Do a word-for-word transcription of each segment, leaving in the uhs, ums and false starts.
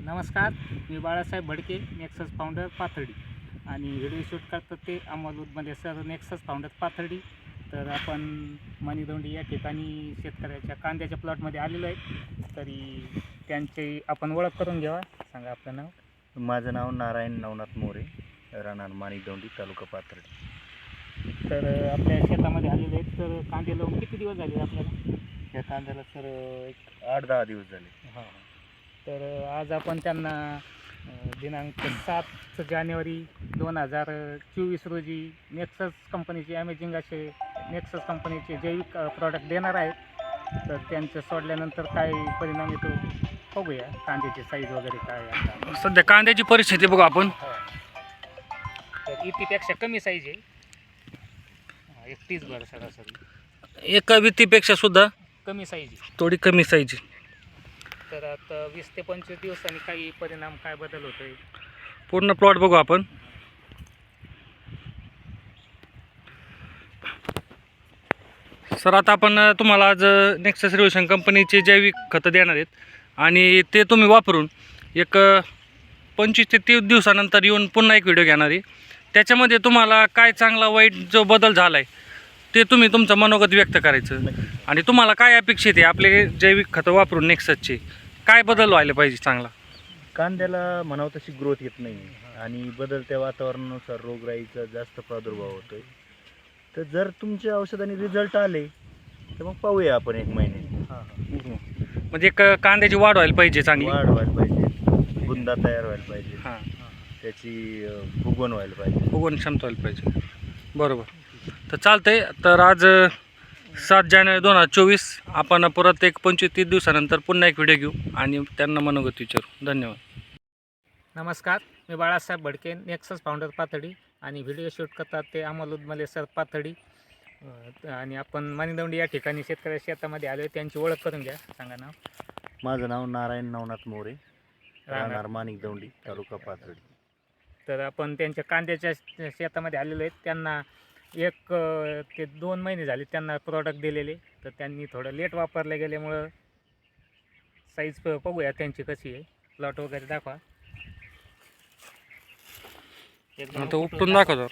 नमस्कार, मी Balasaheb Bhadke, Nexus founder Pathardi आणि व्हिडिओ शूट करतात ते Amol Udmale sir, Nexus founder Pathardi. तर आपण मणिदोंडी या ठिकाणी शेतकऱ्याच्या कांद्याच्या प्लॉटमध्ये आलेलो आहे. तरी त्यांची आपण ओळख करून घ्यावा. सांगा आपलं नाव. माझं नाव नारायण नवनाथ मोरे, राहणार मणिदोंडी, तालुका पाथर्डी. तर आपल्या शेतामध्ये आलेले आहेत. तर कांदे लावून किती दिवस झाले आपल्याला? या कांद्याला सर एक आठ दहा दिवस झाले. हां, तर आज आपण त्यांना दिनांक सात जानेवारी दोन हजार चोवीस रोजी नेक्सस कंपनीचे अमेझिंग असे नेक्सस कंपनीचे जैविक प्रॉडक्ट देणार आहेत. तर त्यांचं सोडल्यानंतर काय परिणाम येतो बघूया. कांद्याची साईज वगैरे काय आता सध्या कांद्याची परिस्थिती बघू आपण. तर इतीपेक्षा कमी साईज आहे, एकतीस भर सरासरी. एका वित्तीपेक्षा सुद्धा कमी साईज आहे, थोडी कमी साईज. तर आता वीस ते पंचवीस दिवसांनी काही परिणाम काय बदल होतोय पूर्ण प्लॉट बघू आपण. सर आता आपण तुम्हाला आज नेक्सस रिव्होल्यूशन कंपनीचे जैविक खतं देणार आहेत आणि ते तुम्ही वापरून एक पंचवीस ते तीस दिवसानंतर येऊन पुन्हा एक व्हिडिओ घेणार आहे. त्याच्यामध्ये तुम्हाला काय चांगला वाईट जो बदल झाला आहे ते तुम्ही तुमचं मनोगत व्यक्त करायचं आणि तुम्हाला काय अपेक्षित आहे आपले जैविक खतं वापरून नेक्ससचे काय बदल व्हायला पाहिजे चांगला. कांद्याला म्हणावं तशी ग्रोथ येत नाही आणि बदलत्या वातावरणानुसार रोगराईचा जास्त प्रादुर्भाव होतोय. तर जर तुमच्या औषधाने रिझल्ट आले तर मग पाहूया आपण एक महिने. म्हणजे एक कांद्याची वाढ व्हायला पाहिजे, चांगली वाढ व्हायला पाहिजे, बुंदा तयार व्हायला पाहिजे, हां, त्याची फुगवण व्हायला पाहिजे, फुगवण क्षमता व्हायला पाहिजे. बरोबर. तर चालतंय. तर आज सात जानेवारी दोन हजार चोवीस आपण परत एक पंचवीस तीस दिवसानंतर पुन्हा एक व्हिडिओ घेऊ आणि त्यांना मनोगत विचारू. धन्यवाद. नमस्कार, मी बाळासाहेब भडके, नेक्सस फाउंडर पाथर्डी आणि व्हिडिओ शूट करतात ते अमोल उदमले सर, पाथर्डी. आणि आपण मणिदोंडी या ठिकाणी शेतकऱ्या शेतामध्ये आलो. त्यांची ओळख करून घ्या. सांगा नाव. माझं नाव नारायण नवनाथ मोरे, राहणार मणिदोंडी, तालुका पाथर्डी. तर आपण त्यांच्या कांद्याच्या शेतामध्ये आलेलो आहेत. त्यांना एक ते दोन महिने झाले त्यांना प्रॉडक्ट दिलेले. तर त्यांनी थोडं लेट वापरले गेल्यामुळं साईज बघूया त्यांची कशी आहे. प्लॉट वगैरे दाखवा. आता उपटून दाखव.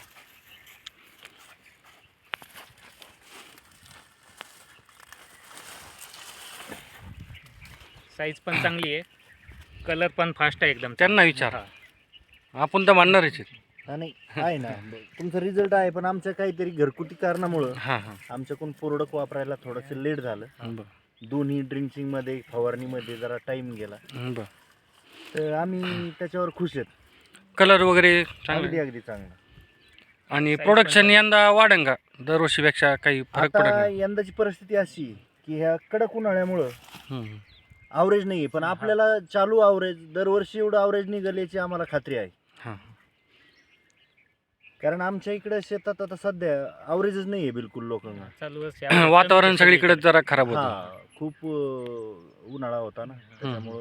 साईज पण चांगली आहे, कलर पण फास्ट आहे एकदम. त्यांना विचार, आपण तर म्हणणारच आहे. नाही आहे ना, तुमचा रिझल्ट आहे, पण आमच्या काहीतरी घरगुती कारणामुळं हां हां आमच्याकडून प्रोडक्ट वापरायला थोडंसं लेट झालं. बरं दोन्ही ड्रिंचिंगमध्ये फवारणीमध्ये जरा टाईम गेला. बरं. तर आम्ही त्याच्यावर खुश आहेत. कलर वगैरे अगदी चांगले अगदी चांगला. आणि प्रोडक्शन यंदा वाढेल का दरवर्षीपेक्षा? काही फरक आता पडेल? यंदाची परिस्थिती अशी की ह्या कडक उन्हाळ्यामुळं हं. आवरेज नाही आहे, पण आपल्याला चालू आवरेज दरवर्षी एवढं आवरेज निघेल याची आम्हाला खात्री आहे. हां. कारण आमच्या इकडे शेतात आता सध्या आवरेजच नाही आहे बिलकुल लोकांना. चालू वर्षी वातावरण सगळीकडे जरा खराब होतं. हा, खूप अं, उन्हाळा होता ना, त्याच्यामुळं.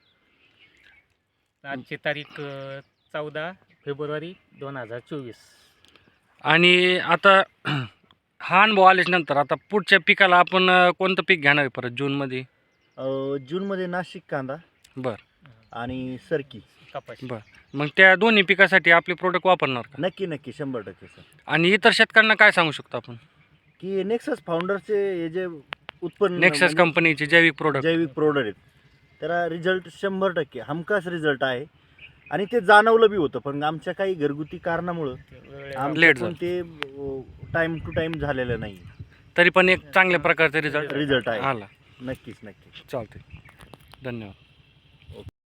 आजची तारीख चौदा फेब्रुवारी दोन हजार चोवीस. आणि आता हा अनुभव आल्याच्यानंतर आता पुढच्या पिकाला आपण कोणतं पीक घेणार आहे परत जूनमध्ये? अं, जूनमध्ये नाशिक कांदा बरं आणि सरकी. कपाशी. बरं. मग त्या दोन्ही पिकासाठी आपले प्रोडक्ट वापरणार का? नक्की नक्की शंभर टक्के सर. आणि इतर शेतकऱ्यांना काय सांगू शकतो आपण की नेक्सस फाउंडरचे हे जे उत्पन्न नेक्सस कंपनीचे जैविक प्रोडक्ट? जैविक प्रोडक्ट आहेत, त्याला रिझल्ट शंभर टक्के हमखास रिझल्ट आहे. आणि ते जाणवलं बी होतं, पण आमच्या काही घरगुती कारणामुळं लेट आमच्याकडून झालं. ते टाईम टू टाईम झालेलं नाही. तरी पण एक चांगल्या प्रकारचा रिझल्ट रिझल्ट आहे. आला. नक्कीच नक्कीच. चालते. धन्यवाद.